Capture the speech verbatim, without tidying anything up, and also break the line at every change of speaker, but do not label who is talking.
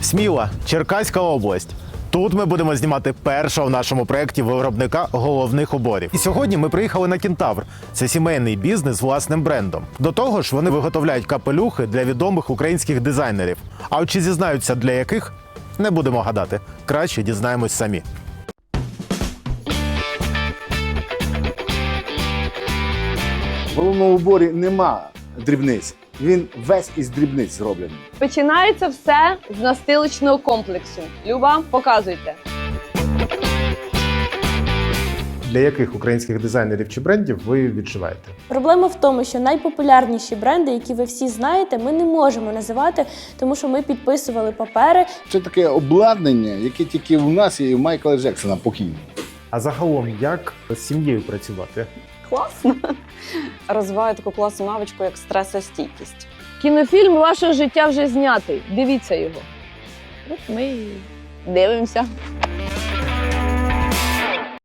Сміла, Черкаська область. Тут ми будемо знімати першого в нашому проєкті виробника головних уборів. І сьогодні ми приїхали на Кентавр. Це сімейний бізнес з власним брендом. До того ж, вони виготовляють капелюхи для відомих українських дизайнерів. А от чи зізнаються для яких? Не будемо гадати. Краще дізнаємось самі.
В головному уборі нема дрібниць. Він весь із дрібниць зроблений.
Починається все з настилочного комплексу. Люба, показуйте.
Для яких українських дизайнерів чи брендів ви відшиваєте?
Проблема в тому, що найпопулярніші бренди, які ви всі знаєте, ми не можемо називати, тому що ми підписували папери.
Це таке обладнання, яке тільки в нас є і в Майкла Джексона покійного.
А загалом, як з сім'єю працювати?
Класно. Розвиваю таку класну навичку, як стресостійкість.
Кінофільм вашого життя вже знятий. Дивіться його. От ми і дивимося.